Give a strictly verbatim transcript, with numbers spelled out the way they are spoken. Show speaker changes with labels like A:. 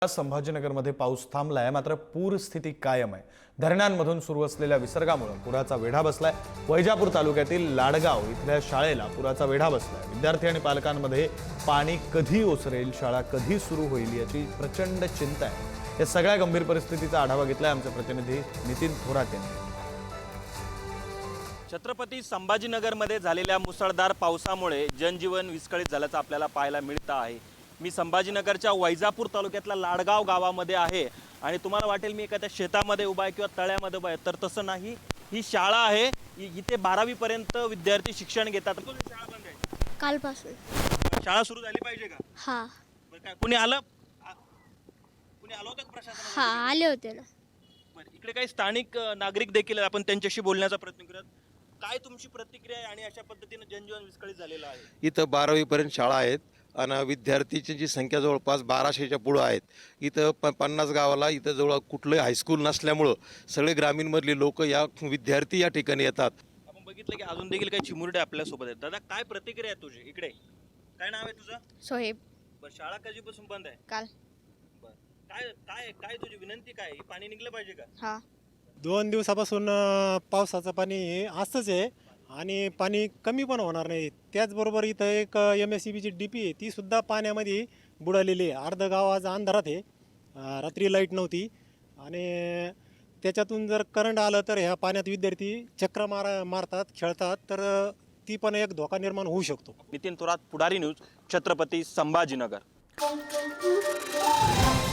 A: संभाजीनगरमध्ये पाऊस थांबलाय, मात्र पूर स्थिती कायम आहे। धरणांमधून सुरू असलेल्या विसर्गामुळे पुराचा वेढा बसलाय। वैजापूर तालुक्यातील लाडगाव इथल्या शाळेला पुराचा वेढा बसलाय। विद्यार्थी आणि पालकांमध्ये पाणी कधी ओसरेल, शाळा कधी सुरू होईल याची प्रचंड चिंता आहे। या सगळ्या गंभीर परिस्थितीचा आढावा घेतलाय आमचे प्रतिनिधी नितीन थोरात यांनी।
B: छत्रपती संभाजीनगरमध्ये झालेल्या मुसळधार पावसामुळे जनजीवन विस्कळीत झाल्याचं आपल्याला पाहायला मिळतं आहे। मी संभाजीनगरच्या वैजापूर तालुक्यातल्या लाडगाव गावामध्ये आहे आणि तुम्हाला वाटेल मी एखाद्या शेतामध्ये उभा आहे किंवा तळ्यामध्ये उभा आहे, तर तसं नाही। ही शाळा आहे, इथे बारावी पर्यंत विद्यार्थी शिक्षण घेतात। शाळा बंद आहे
C: कालपासून।
B: शाळा सुरू झाली पाहिजे का?
C: हा।
B: बरं, काय कुणी आलं कुणी आलं होतं प्रशासनाने?
C: हा, आले होते ना।
B: बरं, इकडे काही स्थानिक नागरिक देखील आहेत, आपण त्यांच्याशी बोलण्याचा प्रयत्न करूयात। काय तुमची प्रतिक्रिया आहे आणि अशा पद्धतीने जनजीवन विस्कळीत झालेलं आहे?
D: इथं बारावी पर्यंत शाळा आहेत आणि विद्यार्थीची जी संख्या जवळपास बाराशेच्या पुढं आहेत। इथं प पन्नास गावाला इथं जवळ कुठलंही हायस्कूल नसल्यामुळं सगळे ग्रामीणमधले लोक या विद्यार्थी या ठिकाणी येतात।
B: आपण बघितलं की अजून देखील काही चिमुरडे आपल्यासोबत आहेत। दादा, काय प्रतिक्रिया आहे तुझी? इकडे काय नाव आहे तुझं?
C: सोहेब।
B: बरं, शाळा कधीपासून बंद आहे?
C: काल।
B: बरं, काय काय काय तुझी विनंती काय? ही पाणी निघलं पाहिजे का?
C: हा।
E: दोन दिवसापासून अ, पावसाचं पाणी असंच आहे आणि पाणी कमी पण होणार नाही। त्याचबरोबर इथं एक एम एस सी बीची डी पी आहे, ती सुद्धा पाण्यामध्ये बुडालेली आहे। अर्ध गाव आज अंधारात आहे, अ, रात्री लाईट नव्हती आणि त्याच्यातून जर करंट आलं तर ह्या पाण्यात विद्यार्थी चक्र मारा मारतात, खेळतात, तर अ, ती पण एक धोका निर्माण होऊ शकतो।
B: नितीन थोरात, पुढारी न्यूज, छत्रपती संभाजीनगर।